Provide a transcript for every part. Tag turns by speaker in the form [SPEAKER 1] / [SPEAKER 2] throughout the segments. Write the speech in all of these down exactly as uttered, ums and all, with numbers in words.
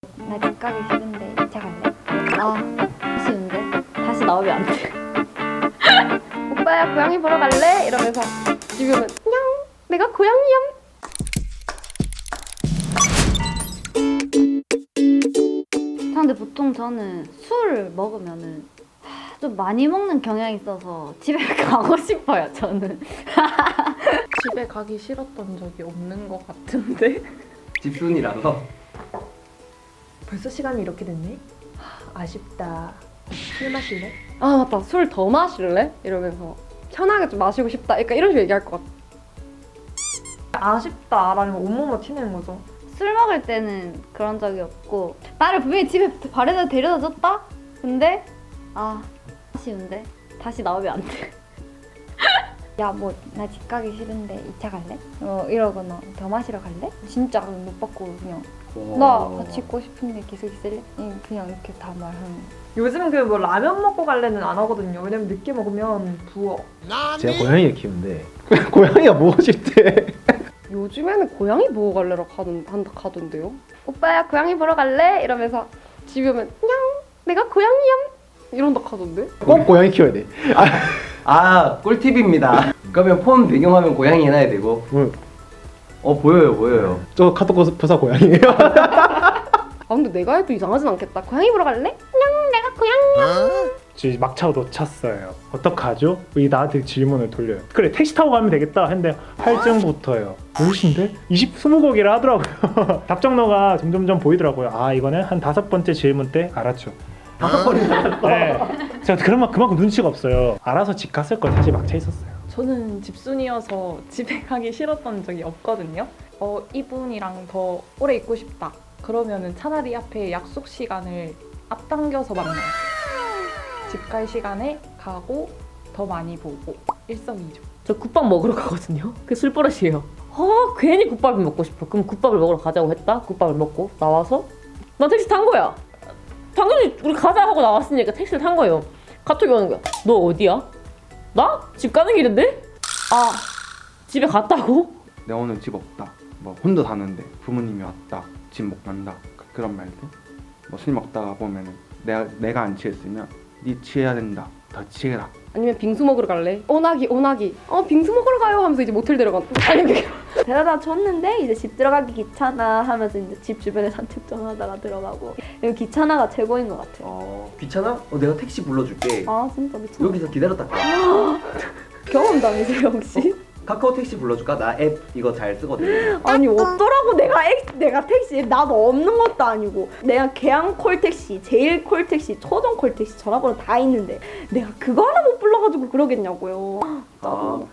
[SPEAKER 1] 나 집 가기 싫은데 이 차 갈래? 아 아쉬운데 다시 나오면 안 돼. 오빠야 고양이 보러 갈래? 이러면서 집에 오면 냥 내가 고양이야. 근데 보통 저는 술 먹으면은 좀 많이 먹는 경향이 있어서 집에 가고 싶어요. 저는
[SPEAKER 2] 집에 가기 싫었던 적이 없는 것 같은데?
[SPEAKER 3] 집순이라서.
[SPEAKER 4] 벌써 시간이 이렇게 됐네? 하, 아쉽다. 술 마실래?
[SPEAKER 1] 아 맞다 술 더 마실래? 이러면서 편하게 좀 마시고 싶다. 그러니까 이런 식으로 얘기할 것 같아.
[SPEAKER 4] 아쉽다라는 건 온몸으로 티내는 거죠.
[SPEAKER 1] 술 먹을 때는 그런 적이 없고 나를 분명히 집에 바래다 데려다 줬다? 근데 아 아쉬운데 다시 나오면 안 돼. 야 뭐 나 집 가기 싫은데 이 차 갈래? 어 이러거나 더 마시러 갈래? 진짜 못 받고 그냥 나 같이 있고 싶은데 계속 있을래? 응, 그냥 이렇게 다 말하는.
[SPEAKER 4] 요즘 그 뭐 라면 먹고 갈래는 안 하거든요. 왜냐면 늦게 먹으면 부어.
[SPEAKER 5] 제가 고양이를 키우는데 고양이가 보고 싶대.
[SPEAKER 1] 요즘에는 고양이 보고 갈래라 가던, 한다 가던데요? 오빠야 고양이 보러 갈래? 이러면서 집에 오면 냥 내가 고양이야 이런다 하던데?
[SPEAKER 5] 꼭 고양이 키워야 돼.
[SPEAKER 3] 아, 꿀팁입니다. 그러면 폰 배경화면 고양이 해놔야 되고.
[SPEAKER 5] 응.
[SPEAKER 3] 어, 보여요, 보여요.
[SPEAKER 5] 저 카톡 부사 고양이에요.
[SPEAKER 1] 아 근데 내가 해도 이상하진 않겠다. 고양이 보러 갈래? 냥 내가 고양이야.
[SPEAKER 6] 지금 막차고 놓쳤어요. 어떡하죠? 이 나한테 질문을 돌려요. 그래 택시 타고 가면 되겠다 했는데 할증부터요. 무엇인데? 이십, 스무 곡이라 하더라고요. 답정너가 점점점 보이더라고요. 아 이거는 한 다섯 번째 질문 때 알았죠.
[SPEAKER 3] 다섯 번이나.
[SPEAKER 6] 네. 제가 그만, 그만큼 눈치가 없어요. 알아서 집 갔을 걸 사실 막차 있었어요.
[SPEAKER 2] 저는 집순이어서 집에 가기 싫었던 적이 없거든요. 어, 이분이랑 더 오래 있고 싶다. 그러면은 차라리 앞에 약속 시간을 앞당겨서 만나요. 집 갈 시간에 가고 더 많이 보고 일석이조.
[SPEAKER 7] 저 국밥 먹으러 가거든요. 그게 술버릇이에요. 아 괜히 국밥을 먹고 싶어. 그럼 국밥을 먹으러 가자고 했다. 국밥을 먹고 나와서 난 택시 탄 거야. 당연히 우리 가자 하고 나왔으니까 택시를 탄 거예요. 카톡이 오는 거야. 너 어디야? 나? 집 가는 길인데? 아 집에 갔다고?
[SPEAKER 8] 내가 오늘 집 없다. 뭐 혼자 사는데 부모님이 왔다. 집 못 간다. 그- 그런 말들. 뭐 술 먹다가 보면은 내가 내가 안 취했으면 네 취해야 된다. 더 취해라.
[SPEAKER 1] 아니면 빙수 먹으러 갈래? 오나기 오나기. 어 빙수 먹으러 가요 하면서 이제 모텔 데려가. 아니 그게
[SPEAKER 9] 데려다 줬는데 이제 집 들어가기 귀찮아 하면서 이제 집 주변에 산책 좀 하다가 들어가고. 이거 귀찮아가 최고인 것 같아요.
[SPEAKER 3] 어, 귀찮아? 어, 내가 택시 불러줄게.
[SPEAKER 9] 아 진짜 미쳤다.
[SPEAKER 3] 여기서 기다렸다 가.
[SPEAKER 9] 경험담이세요 혹시?
[SPEAKER 3] 카카오 택시 불러줄까? 나 앱 이거 잘 쓰거든.
[SPEAKER 9] 아니 어쩌라고 내가 액, 내가 택시 나도 없는 것도 아니고 내가 계양 콜택시, 제일 콜택시, 초정 콜택시 전화번호 다 있는데 내가 그거 하나 못 불러가지고 그러겠냐고요.
[SPEAKER 3] 아,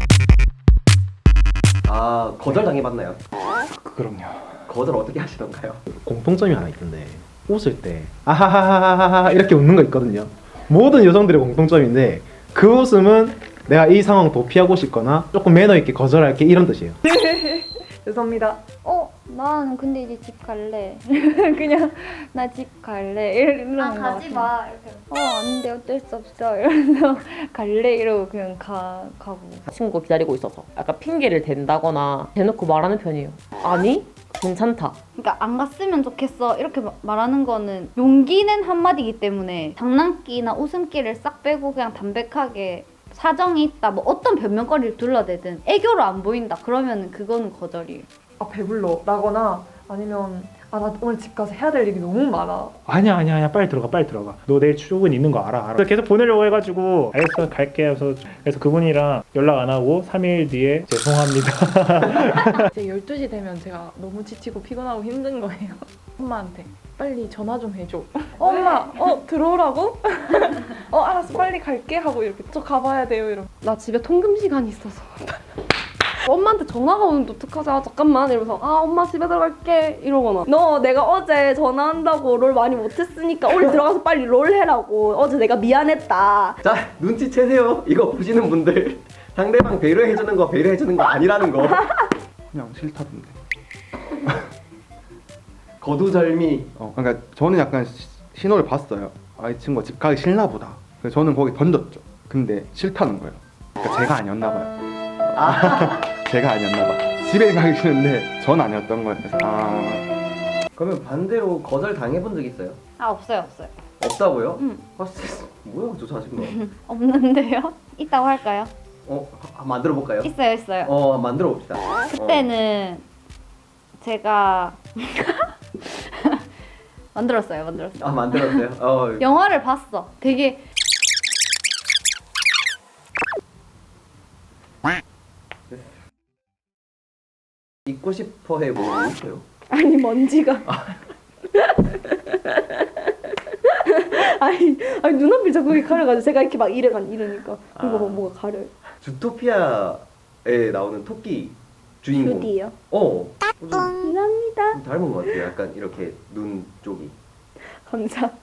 [SPEAKER 3] 아 거절 당해봤나요?
[SPEAKER 6] 그럼요.
[SPEAKER 3] 거절 어떻게 하시던가요?
[SPEAKER 5] 공통점이 하나 있던데 웃을 때 아하하하하하 이렇게 웃는 거 있거든요. 모든 여성들의 공통점인데 그 웃음은 내가 이 상황 도피하고 싶거나 조금 매너 있게 거절할게 이런 뜻이에요.
[SPEAKER 4] 죄송합니다.
[SPEAKER 1] 어 나는 근데 이제 집 갈래. 그냥 나 집 갈래 이러는
[SPEAKER 9] 아,
[SPEAKER 1] 거
[SPEAKER 9] 가지
[SPEAKER 1] 같아.
[SPEAKER 9] 마, 이렇게.
[SPEAKER 1] 어 안돼 어쩔 수 없어 이러면서 갈래 이러고 그냥 가 가고.
[SPEAKER 7] 친구가 기다리고 있어서 약간 핑계를 댄다거나 대놓고 말하는 편이에요. 아니 괜찮다.
[SPEAKER 1] 그러니까 안 갔으면 좋겠어 이렇게 마- 말하는 거는 용기는 한마디이기 때문에 장난기나 웃음기를 싹 빼고 그냥 담백하게 사정이 있다 뭐 어떤 변명거리를 둘러대든 애교로 안 보인다 그러면은 그거는 거절이에요.
[SPEAKER 4] 아 배불러 라거나 아니면 아 나 오늘 집 가서 해야 될 일이 너무 많아.
[SPEAKER 6] 아니야 아니야 아니야 빨리 들어가 빨리 들어가. 너 내일 출근 있는 거 알아 알아. 계속 보내려고 해가지고 알겠어 갈게 해서 그래서 그분이랑 연락 안 하고 삼 일 뒤에 죄송합니다.
[SPEAKER 2] 이제 열두 시 되면 제가 너무 지치고 피곤하고 힘든 거예요. 엄마한테 빨리 전화 좀 해줘. 엄마 어 들어오라고? 어 알았어 빨리 갈게 하고 이렇게 저 가봐야 돼요 이러고.
[SPEAKER 1] 나 집에 통금 시간이 있어서 엄마한테 전화가 오는데 어떡하자 잠깐만 이러면서 아 엄마 집에 들어갈게 이러거나
[SPEAKER 9] 너 내가 어제 전화한다고 롤 많이 못했으니까 오늘 들어가서 빨리 롤 해라고. 어제 내가 미안했다.
[SPEAKER 3] 자, 눈치채세요. 이거 보시는 분들. 상대방 배려해주는 거 배려해주는 거 아니라는 거.
[SPEAKER 8] 그냥 싫다던데.
[SPEAKER 3] 거두절미.
[SPEAKER 8] 어, 그러니까 저는 약간 시- 신호를 봤어요. 아, 이 친구가 집 가기 싫나 보다. 그래서 저는 거기 던졌죠. 근데 싫다는 거예요. 그러니까 제가 아니었나 봐요.
[SPEAKER 3] 아,
[SPEAKER 8] 제가 아니었나 봐. 집에 가기 싫은데 전 아니었던 거예요. 그래서 아
[SPEAKER 3] 그러면 반대로 거절 당해본 적 있어요?
[SPEAKER 1] 아 없어요 없어요.
[SPEAKER 3] 없다고요?
[SPEAKER 1] 응.
[SPEAKER 3] 아, 진짜 뭐야 저 자신감.
[SPEAKER 1] 없는데요? 있다고 할까요?
[SPEAKER 3] 어, 하- 만들어 볼까요?
[SPEAKER 1] 있어요 있어요.
[SPEAKER 3] 어, 만들어 봅시다.
[SPEAKER 1] 그때는 제가 만들었어요 만들었어요.
[SPEAKER 3] 아, 만들었어요. 어,
[SPEAKER 1] 영화를 봤어. 되게
[SPEAKER 3] 잊고 싶어 해 뭐 있어요?
[SPEAKER 9] 아니 먼지가. 아니, 아니 눈앞이 자꾸 이렇게 가려가지고 제가 이렇게 막 이래간 이러니까 이거 뭐
[SPEAKER 3] 아.
[SPEAKER 9] 뭐가 가려요.
[SPEAKER 3] 주토피아에 나오는 토끼 주인공.
[SPEAKER 9] 슈디요.
[SPEAKER 3] 어. 좀
[SPEAKER 9] 감사합니다.
[SPEAKER 3] 닮은 것 같아요. 약간 이렇게 눈 쪽이.
[SPEAKER 9] 감사.